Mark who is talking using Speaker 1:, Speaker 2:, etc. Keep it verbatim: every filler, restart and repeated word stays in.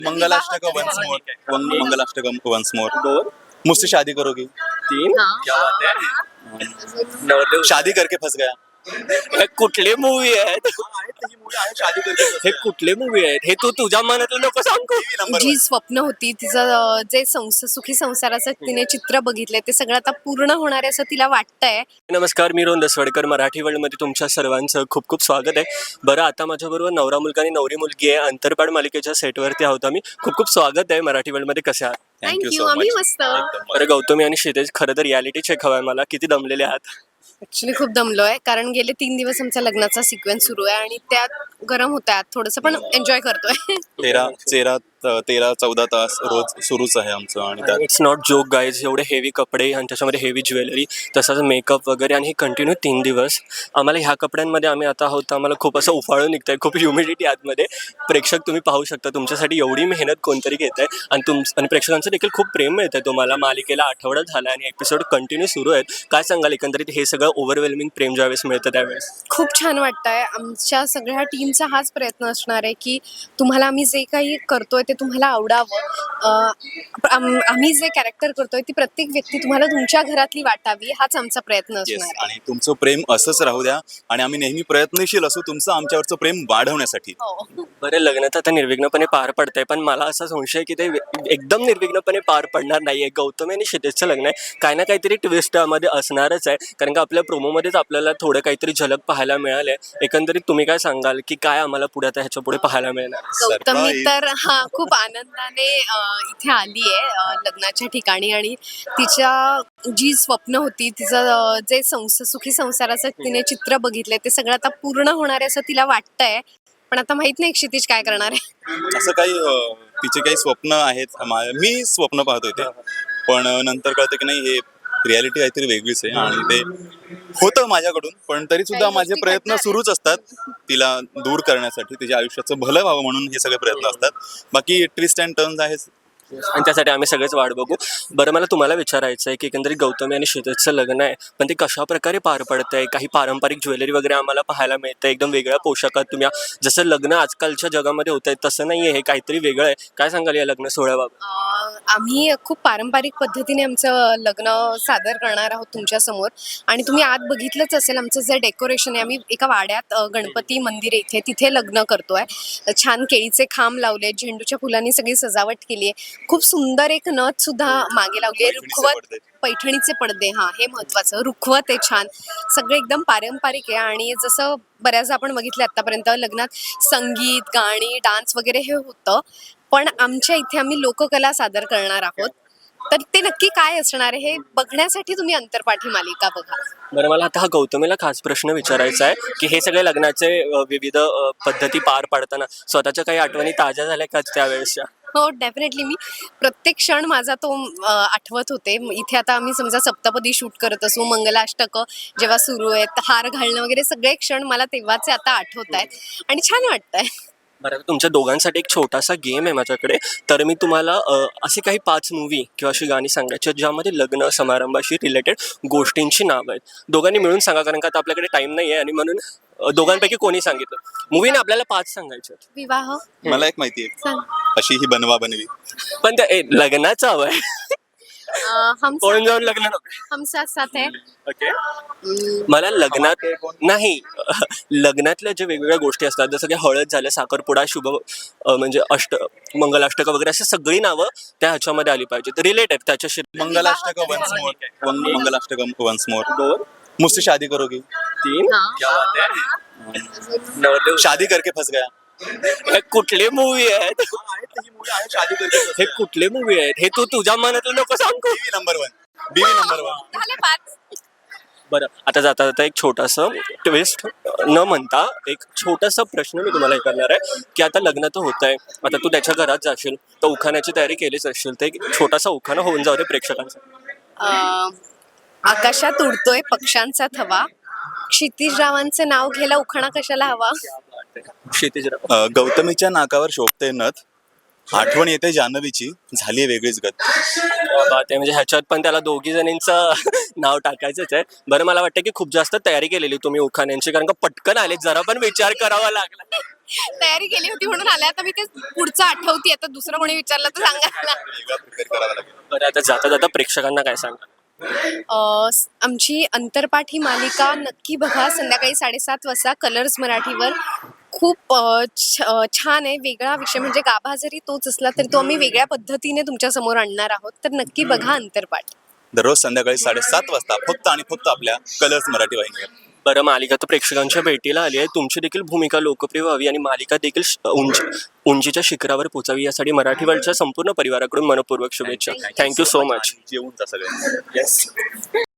Speaker 1: मंगलाष्टकम once more मंगलाष्टकम once more मुझसे शादी करोगी
Speaker 2: तीन क्या बात है नवरदेव
Speaker 1: शादी करके फंस गया
Speaker 2: हे कुठले मूवी आहेत
Speaker 1: शादी करके
Speaker 2: हे कुठले मूवी आहेत हे तू तुझ्या मनातलं नको सांगू
Speaker 1: नंबर
Speaker 3: जी स्वप्न होती तिचं अं, जे संस सुखी संसाराचं तिने चित्र बघितलंय ते सगळं आता पूर्ण होणार आहे असं तिला वाटतंय.
Speaker 2: नमस्कार, मी रोहन दसवडकर. मराठी वर्ल्डमध्ये तुमच्या सर्वांचं खूप खूप स्वागत आहे. बरं, आता माझ्याबरोबर नवरा मुलगा आणि नवरी मुलगी आहे. अंतरपाड मालिकेच्या सेटवरती आहोत आम्ही. खूप खूप स्वागत आहे मराठी वर्ल्डमध्ये. कसे आहात?
Speaker 3: थँक्यू, आम्ही मस्त.
Speaker 2: बरं गौतमी आणि क्षितेज, खरं तर रियालिटी चेक हवाय मला. किती दमलेले आहात?
Speaker 3: ऍक्च्युली खूप दमलोय कारण गेले तीन दिवस आमचा लग्नाचा सिक्वेन्स सुरू आहे आणि त्यात गरम होत आहे थोडंसं पण एन्जॉय करतोय.
Speaker 1: तेरा तेरा तेरा चौदा तास रोज सुरूच आहे आमचं आणि त्यात
Speaker 2: इट्स नॉट जोक गाईज. एवढे हेवी कपडे आणि त्याच्यामध्ये हेवी ज्वेलरी, तसंच मेकअप वगैरे, आणि हे कंटिन्यू तीन दिवस. आम्हाला ह्या कपड्यांमध्ये आम्ही आता आहोत तर आम्हाला खूप असं उफाळून निघतंय, खूप ह्युमिडिटी आतमध्ये. प्रेक्षक तुम्ही पाहू शकता, तुमच्यासाठी एवढी मेहनत कोणतरी घेत आहे आणि तुम आणि प्रेक्षकांचं देखील खूप प्रेम मिळतं आहे तुम्हाला. मालिकेला आठवडा झाला आणि एपिसोड कंटिन्यू सुरू आहेत. काय सांगाल एकंदरीत हे सगळं ओव्हरवेल्मिंग प्रेम ज्यावेळेस मिळतं त्यावेळेस?
Speaker 3: खूप छान वाटतंय. आमच्या सगळ्या टीमचा हाच प्रयत्न असणार आहे की तुम्हाला आम्ही जे काही करतोय ते तुम्हाला आवडावं. अं, आम- आम्ही जे कॅरेक्टर करतोय ती प्रत्येक व्यक्ती तुम्हाला तुमच्या घरातली वाटावी हाच आमचा प्रयत्न
Speaker 1: Yes,
Speaker 3: असणार आहे.
Speaker 1: आणि तुमचं प्रेम असंच राहू द्या आणि आम्ही नेहमी प्रयत्नशील असू तुमचं आमच्यावरचं प्रेम वाढवण्यासाठी.
Speaker 3: हो.
Speaker 2: बरं, लग्न तर आता निर्विघ्नपणे पार पडतंय, पण मला असा संशय आहे की ते एकदम निर्विघ्नपणे पार पडणार नाहीये. गौतमी आणि क्षितेजचं लग्न आहे, काही ना काहीतरी ट्विस्ट त्यामध्ये असणारच आहे, कारण का आपल्या प्रोमोमध्येच आपल्याला थोडं काहीतरी झलक पाहायला मिळाले. एकंदरीत तुम्ही काय सांगाल की काय आम्हाला पुढे आता ह्याच्या पुढे पाहायला मिळणार?
Speaker 3: गौतमी
Speaker 1: Surprise.
Speaker 3: तर हा खूप आनंदाने अं, इथे आली आहे लग्नाच्या ठिकाणी आणि तिच्या जी स्वप्न होती तिचं अं, जे संस सुखी संसाराचं तिने चित्र बघितलंय ते सगळं आता पूर्ण होणार आहे असं तिला वाटतंय. पण आता माहित नाही क्षितिज काय करणार आहे.
Speaker 1: असं काही अं, तिचे काही स्वप्न आहेत. मा- मी स्वप्न पाहतोय ते, पण अं, नंतर कळतं की नाही हे रियालिटी काहीतरी वेगळीच आहे आणि ते होतं माझ्याकडून, पण तरी सुद्धा
Speaker 3: काही
Speaker 1: माझे
Speaker 3: गोष्टी
Speaker 1: प्रयत्न
Speaker 3: घडणार
Speaker 1: सुरूच असतात तिला दूर करण्यासाठी, तिच्या आयुष्याचं भलं व्हावं म्हणून हे सगळे प्रयत्न असतात. बाकी ट्विस्ट अँड टर्न्स आहेत.
Speaker 2: आणि त्यासाठी आम्ही सगळेच वाट बघू. बरं, मला तुम्हाला विचारायचं आहे की एकंदरीत गौतमी आणि क्षितेजचं लग्न आहे, पण ते कशा प्रकारे पार पडतं आहे? काही पारंपरिक ज्वेलरी वगैरे आम्हाला पाहायला मिळतं, एकदम वेगळ्या पोशाखात तुम्ही. जसं लग्न आजकालच्या जगामध्ये होत आहे तसं नाही आहे, हे काहीतरी वेगळं आहे. काय सांगाल या लग्न सोहळ्याबाबत?
Speaker 3: अं, आम्ही खूप पारंपरिक पद्धतीने आमचं लग्न सादर करणार आहोत तुमच्या समोर आणि तुम्ही आत बघितलंच असेल आमचं जे डेकोरेशन आहे. आम्ही एका वाड्यात अं, गणपती मंदिर आहे इथे तिथे लग्न करतोय. छान केळीचे खांब लावले, झेंडूच्या फुलांनी सगळी सजावट केली आहे. खूप सुंदर एक नथ सुद्धा मागे लावली आहे.
Speaker 1: पैठणीचे
Speaker 3: रुखवत
Speaker 1: पडदे.
Speaker 3: पैठणीचे पडदे, हा हे महत्वाचं. रुखवत आहे छान, सगळं एकदम पारंपरिक आहे. आणि जसं बऱ्याचदा आपण बघितलं आतापर्यंत लग्नात संगीत, गाणी, डान्स वगैरे हे होतं, पण आमच्या इथे आम्ही लोककला सादर करणार आहोत. तर ते नक्की काय असणार आहे हे बघण्यासाठी तुम्ही अंतरपाठी मालिका बघा.
Speaker 2: बरं, मला आता हा गौतमीला खास प्रश्न विचारायचा आहे की हे सगळे लग्नाचे अ, विविध अ, पद्धती पार पाडताना स्वतःच्या काही आठवणी ताज्या झाल्या का त्यावेळेसच्या?
Speaker 3: हो, डेफिनेटली. मी प्रत्येक क्षण माझा तो अ, आठवत होते. म इथे आता आम्ही समजा सप्तपदी शूट करत असू, मंगलाष्टकं जेव्हा सुरू आहेत, हार घालणं वगैरे सगळे क्षण मला तेव्हाचे आता आठवत आहेत आणि छान वाटतंय.
Speaker 2: बरं, आता तुमच्या दोघांसाठी एक छोटासा गेम आहे माझ्याकडे. तर मी तुम्हाला अ, असे काही पाच मूवी किंवा अशी गाणी सांगायची आहेत ज्यामध्ये लग्न समारंभाशी रिलेटेड गोष्टींची नावं आहेत. दोघांनी मिळून सांगा, कारण का आता आपल्याकडे टाइम नाही आहे आणि म्हणून अ, दोघांपैकी कोणी सांगितलं. मूवीने आपल्याला पाच सांगायचे आहेत.
Speaker 3: विवाह
Speaker 1: मला एक माहिती आहे,
Speaker 3: सांग.
Speaker 1: अशी ही बनवा बनवी.
Speaker 2: पण त्या ए, लग्नाचं हवं आहे.
Speaker 3: अ, हम
Speaker 2: कोण जाऊन लग्न नको.
Speaker 3: हम साथ साथ है.
Speaker 2: ओके, मला लग्नात नाही लग्नातल्या ज्या वेगवेगळ्या गोष्टी असतात, जसं की हळद झालं, साखरपुडा, शुभ अ, म्हणजे अष्ट मंगलाष्टक वगैरे अशी सगळी नावं त्या ह्याच्यामध्ये आली पाहिजेत, रिलेटेड त्याच्याशी.
Speaker 1: मंगलाष्टकम वंस मोर मंगलाष्टकम वंस मोर
Speaker 2: दोन
Speaker 1: मुझसे शादी करोगी
Speaker 2: तीन
Speaker 3: हा.
Speaker 2: क्या बात है नवरदेव
Speaker 1: शादी करके फंस गया.
Speaker 2: हे कुठले मूवी आहेत?
Speaker 1: शादी करके
Speaker 2: हे कुठले मूवी आहेत? हे तू तुझ्या मनातलं नको सांगू.
Speaker 1: Biwi number one Biwi number one
Speaker 3: झाले पाच.
Speaker 2: बरं, आता जाता जाता एक छोटासा ट्विस्ट न म्हणता एक छोटासा प्रश्न मी तुम्हाला हे करणार आहे की आता लग्न तर होत आहे, आता तू त्याच्या घरात जाशील तर उखाण्याची तयारी केलीच असशील, तर एक छोटासा उखाणा होऊन जाऊ दे प्रेक्षकांसाठी.
Speaker 3: अ, आकाशात उडतोय पक्ष्यांचा थवा, क्षितिजरावांचं नाव घ्यायला उखाणा कशाला हवा.
Speaker 2: क्षितिजराव.
Speaker 1: अ, गौतमीच्या नाकावर शोभते नथ, आठवण येते जान्हवीची, झाली वेगळीच गत.
Speaker 2: बात आहे, म्हणजे ह्याच्यात पण त्याला दोघी जणींचं नाव टाकायचंच आहे. बरं, मला वाटतं की खूप जास्त तयारी केलेली तुम्ही उखाण्यांची, कारण का पटकन आले, जरा पण विचार करावा लागला.
Speaker 3: तयारी केली होती म्हणून आल्या. आता मी ते पुढचं आठवते. आता दुसरं कोणी विचारलं तर सांगायला.
Speaker 1: वेगळा प्रिपेअर करावा लागेल.
Speaker 2: बरं आता जाता जाता प्रेक्षकांना काय सांगा?
Speaker 3: अ, स- आमची अंतरपाठ ही मालिका नक्की बघा संध्याकाळी साडेसात वाजता कलर्स मराठीवर. खूप अ, छ- अ, छान आहे. वेगळा विषय म्हणजे गाभा जरी तोच असला तरी तो आम्ही वेगळ्या पद्धतीने तुमच्या समोर आणणार आहोत. तर नक्की बघा अंतरपाठ.
Speaker 1: दररोज संध्याकाळी साडेसात वाजता फक्त आणि फक्त आपल्या कलर्स मराठी वाहिनीवर.
Speaker 2: बरं मालिका तर प्रेक्षकांच्या भेटीला आली आहे. तुमची देखील भूमिका लोकप्रिय व्हावी आणि मालिका देखील श- उंची उंचीच्या शिखरावर पोचावी यासाठी मराठी वर्ल्डच्या संपूर्ण परिवाराकडून मनपूर्वक शुभेच्छा. Thank you so much.
Speaker 1: जेवून जा सगळे. येस.